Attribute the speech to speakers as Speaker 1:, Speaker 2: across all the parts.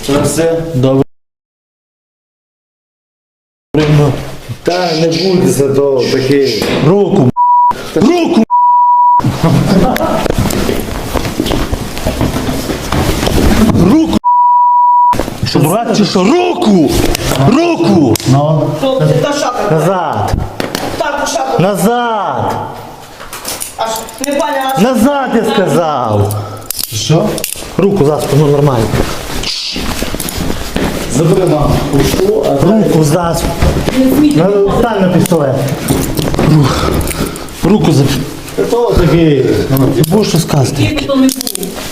Speaker 1: Це все?
Speaker 2: Добре.
Speaker 1: Та не будеться то такий.
Speaker 2: Руку. Руку. Руку. Що, дурак чи що? Руку! Руку! Ну.
Speaker 3: Хлопці, та що таке?
Speaker 2: Назад.
Speaker 3: Так, що таке?
Speaker 2: Назад.
Speaker 3: Аж не понятно.
Speaker 2: Назад, я сказав.
Speaker 1: Що?
Speaker 2: Руку за спину, нормально.
Speaker 1: Забери маму. Пушу, а
Speaker 2: Руку за спину. Стань на пістолет. Руку за...
Speaker 1: то такий.
Speaker 2: Ти будеш що сказати?
Speaker 3: Тільки то не був.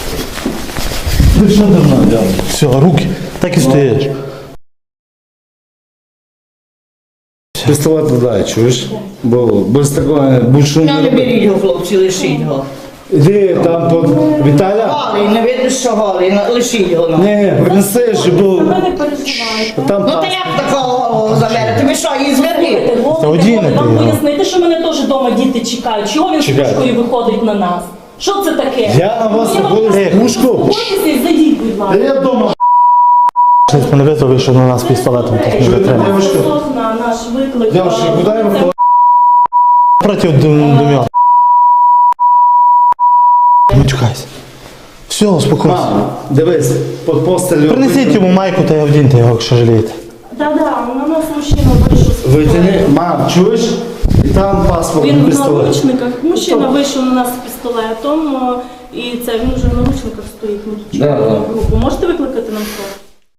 Speaker 1: Ти що давно взяв?
Speaker 2: Все, руки. Так і стоїш.
Speaker 1: Пістолет туди, чуєш? Бо без такого більше
Speaker 3: Я не
Speaker 1: не
Speaker 3: беріть його, хлопці, лишіть його.
Speaker 1: Іди там под Віталя.
Speaker 3: Голий, не видно, що голий, лишіть його. Ну.
Speaker 1: Ні, принеси, щоб був.
Speaker 4: Ви не переживайте.
Speaker 1: Там
Speaker 3: Ну та як такого заберете? Ви що, її зверніть?
Speaker 2: Та одінете
Speaker 4: Вам
Speaker 2: його.
Speaker 4: пояснити, що мене теж вдома діти чекають. Чого він з
Speaker 1: Чекають.
Speaker 4: пушкою виходить на нас? Що це таке?
Speaker 1: Я на вас
Speaker 4: Я вам
Speaker 1: виходив з
Speaker 4: кажу,
Speaker 1: пушку?
Speaker 4: заспокойтеся і зайдіть, будь ласка.
Speaker 1: Я вдома.
Speaker 2: Щось мене визвали, що на нас пістолетом так не затримав.
Speaker 1: Девушка.
Speaker 4: На наш виклик.
Speaker 1: Девушка, куди я виходив?
Speaker 2: Проти дум'я. Не чекайся. Все, успокойся.
Speaker 1: Мам, дивись, під постелю.
Speaker 2: Принесіть йому майку та й одіньте його, якщо жалієте.
Speaker 4: Да-да, на нас мужчина вийшов з
Speaker 1: Витягни.
Speaker 4: пістолетом.
Speaker 1: Мам, чуєш? Там паспорт,
Speaker 4: Він в
Speaker 1: пістолет.
Speaker 4: наручниках. Мужчина вийшов на нас з пістолетом. І це він вже в наручниках стоїть. Ми тут
Speaker 1: Да,
Speaker 4: чекаємо
Speaker 1: да.
Speaker 4: групу. Можете викликати нам хто?